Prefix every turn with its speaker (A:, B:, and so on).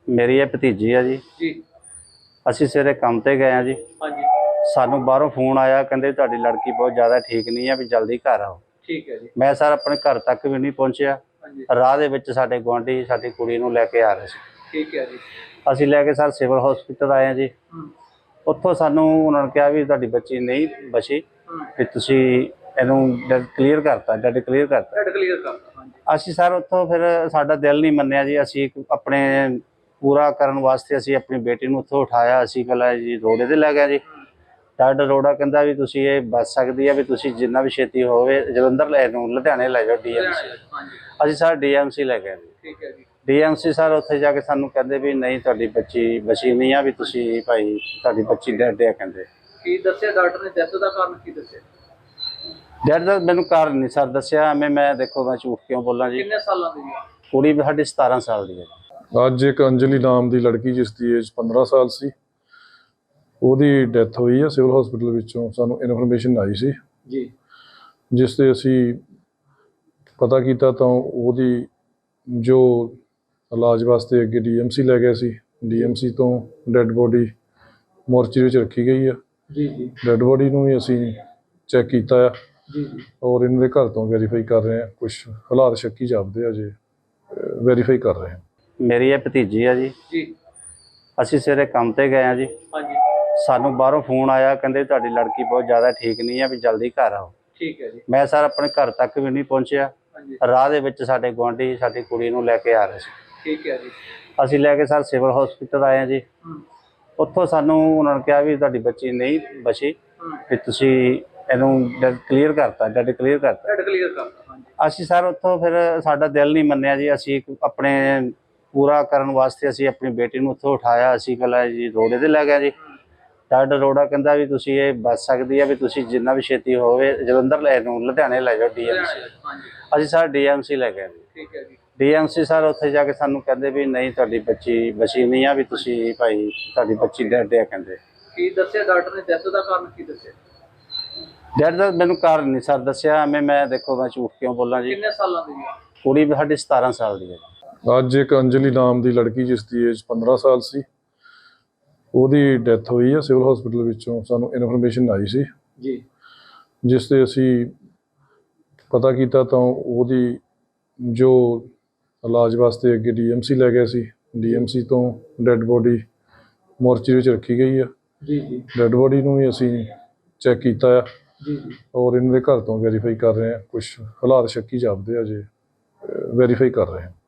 A: ਮੇਰੀ ਇਹ ਭਤੀਜੀ ਆ ਜੀ।
B: ਜੀ।
A: ਅਸੀਂ ਸਵੇਰੇ ਕੰਮ ਤੇ ਗਏ ਆ ਜੀ।
B: ਹਾਂਜੀ।
A: ਸਾਨੂੰ ਬਾਹਰੋਂ ਫੋਨ ਆਇਆ, ਕਹਿੰਦੇ ਤੁਹਾਡੀ ਲੜਕੀ ਬਹੁਤ ਜ਼ਿਆਦਾ ਠੀਕ ਨਹੀਂ ਆ, ਵੀ ਜਲਦੀ ਘਰ ਆਓ।
B: ਠੀਕ ਹੈ ਜੀ।
A: ਮੈਂ ਸਰ ਆਪਣੇ ਘਰ ਤੱਕ ਵੀ ਨਹੀਂ ਪਹੁੰਚਿਆ।
B: ਹਾਂਜੀ।
A: ਰਾਹ ਦੇ ਵਿੱਚ ਸਾਡੇ ਗੁਆਂਢੀ ਸਾਡੀ ਕੁੜੀ ਨੂੰ ਲੈ ਕੇ ਆ ਰਹੇ ਸੀ।
B: ਠੀਕ ਹੈ ਜੀ।
A: ਅਸੀਂ ਲੈ ਕੇ ਸਰ ਸਿਵਲ ਹਸਪੀਟਲ ਆਏ ਆ ਜੀ। ਉੱਥੋਂ ਸਾਨੂੰ ਉਹਨਾਂ ਨੇ ਕਿਹਾ ਵੀ ਤੁਹਾਡੀ ਬੱਚੀ ਨਹੀਂ ਬਚੀ, ਵੀ ਤੁਸੀਂ ਇਹਨੂੰ ਡੈਡ ਕਲੀਅਰ ਕਰਤਾ।
B: ਡੈਡ ਕਲੀਅਰ ਕਰਤਾ। ਹਾਂਜੀ।
A: ਅਸੀਂ ਸਰ ਉੱਥੋਂ ਫਿਰ ਸਾਡਾ ਦਿਲ ਨਹੀਂ ਮੰਨਿਆ ਜੀ। ਅਸੀਂ ਆਪਣੇ ਪੂਰਾ ਕਰਨ ਵਾਸਤੇ ਅਸੀਂ ਆਪਣੀ ਬੇਟੀ ਨੂੰ ਉੱਥੋਂ ਉਠਾਇਆ। ਅਸੀਂ ਪਹਿਲਾਂ ਜੀ ਰੋੜੇ 'ਤੇ ਲੈ ਗਏ ਜੀ। ਡਾਕਟਰ ਰੋੜਾ ਕਹਿੰਦਾ ਵੀ ਤੁਸੀਂ ਇਹ ਬਚ ਸਕਦੀ ਹੈ, ਵੀ ਤੁਸੀਂ ਜਿੰਨਾ ਵੀ ਛੇਤੀ ਹੋਵੇ ਜਲੰਧਰ ਲੈ ਨੂੰ ਲੁਧਿਆਣੇ ਲੈ ਜਾਓ ਡੀਐਮਸੀ। ਅਸੀਂ ਸਰ ਡੀਐਮਸੀ ਲੈ ਗਏ ਜੀ।
B: ਠੀਕ ਹੈ ਜੀ।
A: ਡੀਐਮਸੀ ਸਰ ਉੱਥੇ ਜਾ ਕੇ ਸਾਨੂੰ ਕਹਿੰਦੇ ਵੀ ਨਹੀਂ ਤੁਹਾਡੀ ਬੱਚੀ ਬਚੀ ਨਹੀਂ ਆ, ਵੀ ਤੁਸੀਂ ਭਾਈ ਤੁਹਾਡੀ ਬੱਚੀ ਡੈਡ ਆ। ਕਹਿੰਦੇ
B: ਕੀ ਦੱਸਿਆ ਡਾਕਟਰ ਨੇ ਡੈਥ ਦਾ ਕਾਰਨ ਕੀ ਦੱਸਿਆ?
A: ਡੈਡ ਦਾ ਮੈਨੂੰ ਕਾਰਨ ਨਹੀਂ ਸਰ ਦੱਸਿਆ। ਮੈਂ ਦੇਖੋ ਮੈਂ ਝੂਠ ਕਿਉਂ ਬੋਲਾਂ ਜੀ।
B: ਕਿੰਨੇ ਸਾਲਾਂ ਦੀ ਹੈ
A: ਕੁੜੀ ਸਾਡੀ 17 ਸਾਲ ਦੀ ਹੈ।
C: ਅੱਜ ਇੱਕ ਅੰਜਲੀ ਨਾਮ ਦੀ ਲੜਕੀ ਜਿਸ ਦੀ ਏਜ 15 ਸਾਲ ਸੀ, ਉਹਦੀ ਡੈਥ ਹੋਈ ਹੈ ਸਿਵਲ ਹਸਪੀਟਲ ਵਿੱਚੋਂ। ਸਾਨੂੰ ਇਨਫੋਰਮੇਸ਼ਨ ਆਈ ਸੀ
B: ਜੀ,
C: ਜਿਸ ਤੇ ਅਸੀਂ ਪਤਾ ਕੀਤਾ ਤਾਂ ਉਹਦੀ ਜੋ ਇਲਾਜ ਵਾਸਤੇ ਅੱਗੇ ਡੀਐਮਸੀ ਲੈ ਗਏ ਸੀ। ਡੀਐਮਸੀ ਤੋਂ ਡੈੱਡ ਬੋਡੀ ਮੋਰਚਰੀ ਵਿੱਚ ਰੱਖੀ ਗਈ ਆ।
B: ਜੀ ਜੀ।
C: ਡੈੱਡ ਬੋਡੀ ਨੂੰ ਵੀ ਅਸੀਂ ਚੈੱਕ ਕੀਤਾ ਆ
B: ਜੀ ਜੀ।
C: ਔਰ ਇਹਨਾਂ ਦੇ ਘਰ ਤੋਂ ਵੈਰੀਫਾਈ ਕਰ ਰਹੇ ਹਾਂ। ਕੁਝ ਹਾਲਾਤ ਸ਼ੱਕੀ ਜਾਪਦੇ ਆ, ਜੇ ਵੈਰੀਫਾਈ ਕਰ ਰਹੇ ਹਾਂ।
A: ਮੇਰੀ ਇਹ ਭਤੀਜੀ ਆ ਜੀ।
B: ਜੀ।
A: ਅਸੀਂ ਸਵੇਰੇ ਕੰਮ ਤੇ ਗਏ ਆ ਜੀ।
B: ਹਾਂਜੀ।
A: ਸਾਨੂੰ ਬਾਹਰੋਂ ਫੋਨ ਆਇਆ, ਕਹਿੰਦੇ ਤੁਹਾਡੀ ਲੜਕੀ ਬਹੁਤ ਜ਼ਿਆਦਾ ਠੀਕ ਨਹੀਂ ਆ, ਵੀ ਜਲਦੀ ਘਰ ਆਓ।
B: ਠੀਕ ਹੈ ਜੀ।
A: ਮੈਂ ਸਰ ਆਪਣੇ ਘਰ ਤੱਕ ਵੀ ਨਹੀਂ ਪਹੁੰਚਿਆ।
B: ਹਾਂਜੀ।
A: ਰਾਹ ਦੇ ਵਿੱਚ ਸਾਡੇ ਗੁਆਂਢੀ ਸਾਡੀ ਕੁੜੀ ਨੂੰ ਲੈ ਕੇ ਆ ਰਹੇ ਸੀ।
B: ਠੀਕ ਹੈ ਜੀ।
A: ਅਸੀਂ ਲੈ ਕੇ ਸਰ ਸਿਵਲ ਹਸਪੀਟਲ ਆਏ ਆ ਜੀ। ਉੱਥੋਂ ਸਾਨੂੰ ਉਹਨਾਂ ਨੇ ਕਿਹਾ ਵੀ ਤੁਹਾਡੀ ਬੱਚੀ ਨਹੀਂ ਬਚੀ, ਵੀ ਤੁਸੀਂ ਇਹਨੂੰ ਡੈਡ ਕਲੀਅਰ ਕਰਤਾ।
B: ਡੈਡ ਕਲੀਅਰ ਕਰਤਾ। ਹਾਂਜੀ।
A: ਅਸੀਂ ਸਰ ਉੱਥੋਂ ਫਿਰ ਸਾਡਾ ਦਿਲ ਨਹੀਂ ਮੰਨਿਆ ਜੀ। ਅਸੀਂ ਆਪਣੇ ਪੂਰਾ ਕਰਨ ਵਾਸਤੇ ਅਸੀਂ ਆਪਣੀ ਬੇਟੀ ਨੂੰ ਉੱਥੋਂ ਉਠਾਇਆ। ਅਸੀਂ ਪਹਿਲਾਂ ਜੀ ਰੋੜੇ 'ਤੇ ਲੈ ਗਏ ਜੀ। ਡਾਕਟਰ ਰੋੜਾ ਕਹਿੰਦਾ ਵੀ ਤੁਸੀਂ ਇਹ ਬਚ ਸਕਦੀ ਹੈ, ਵੀ ਤੁਸੀਂ ਜਿੰਨਾ ਵੀ ਛੇਤੀ ਹੋਵੇ ਜਲੰਧਰ ਲੈ ਨੂੰ ਲੁਧਿਆਣੇ ਲੈ ਜਾਓ ਡੀਐਮਸੀ।
B: ਹਾਂਜੀ।
A: ਅਸੀਂ ਸਰ ਡੀਐਮਸੀ ਲੈ ਗਏ ਜੀ।
B: ਠੀਕ ਹੈ ਜੀ।
A: ਡੀਐਮਸੀ ਸਰ ਉੱਥੇ ਜਾ ਕੇ ਸਾਨੂੰ ਕਹਿੰਦੇ ਵੀ ਨਹੀਂ ਤੁਹਾਡੀ ਬੱਚੀ ਬਚੀ ਨਹੀਂ ਆ, ਵੀ ਤੁਸੀਂ ਭਾਈ ਤੁਹਾਡੀ ਬੱਚੀ ਡੈਡ ਆ। ਕਹਿੰਦੇ
B: ਕੀ ਦੱਸਿਆ ਡਾਕਟਰ ਨੇ ਡੈਥ ਦਾ ਕਾਰਨ ਕੀ ਦੱਸਿਆ?
A: ਡੈਡ ਦਾ ਮੈਨੂੰ ਕਾਰਨ ਨਹੀਂ ਸਰ ਦੱਸਿਆ। ਮੈਂ ਦੇਖੋ ਮੈਂ ਝੂਠ ਕਿਉਂ ਬੋਲਾਂ ਜੀ।
B: ਕਿੰਨੇ ਸਾਲਾਂ ਦੀ ਹੈ
A: ਕੁੜੀ ਸਾਡੀ 17 ਸਾਲ ਦੀ ਹੈ।
C: ਅੱਜ ਇੱਕ ਅੰਜਲੀ ਨਾਮ ਦੀ ਲੜਕੀ ਜਿਸ ਦੀ ਏਜ 15 ਸਾਲ ਸੀ, ਉਹਦੀ ਡੈਥ ਹੋਈ ਹੈ ਸਿਵਲ ਹਸਪੀਟਲ ਵਿੱਚੋਂ। ਸਾਨੂੰ ਇਨਫੋਰਮੇਸ਼ਨ ਆਈ ਸੀ
B: ਜੀ,
C: ਜਿਸ ਤੇ ਅਸੀਂ ਪਤਾ ਕੀਤਾ ਤਾਂ ਉਹਦੀ ਜੋ ਇਲਾਜ ਵਾਸਤੇ ਅੱਗੇ ਡੀਐਮਸੀ ਲੈ ਗਏ ਸੀ। ਡੀਐਮਸੀ ਤੋਂ ਡੈੱਡ ਬੋਡੀ ਮੋਰਚਰੀ ਵਿੱਚ ਰੱਖੀ ਗਈ ਆ।
B: ਜੀ ਜੀ।
C: ਡੈੱਡ ਬੋਡੀ ਨੂੰ ਵੀ ਅਸੀਂ ਚੈੱਕ ਕੀਤਾ ਆ
B: ਜੀ ਜੀ।
C: ਔਰ ਇਹਨਾਂ ਦੇ ਘਰ ਤੋਂ ਵੈਰੀਫਾਈ ਕਰ ਰਹੇ ਹਾਂ। ਕੁਝ ਹਾਲਾਤ ਸ਼ੱਕੀ ਜਾਪਦੇ ਆ, ਜੇ ਵੈਰੀਫਾਈ ਕਰ ਰਹੇ ਹਾਂ।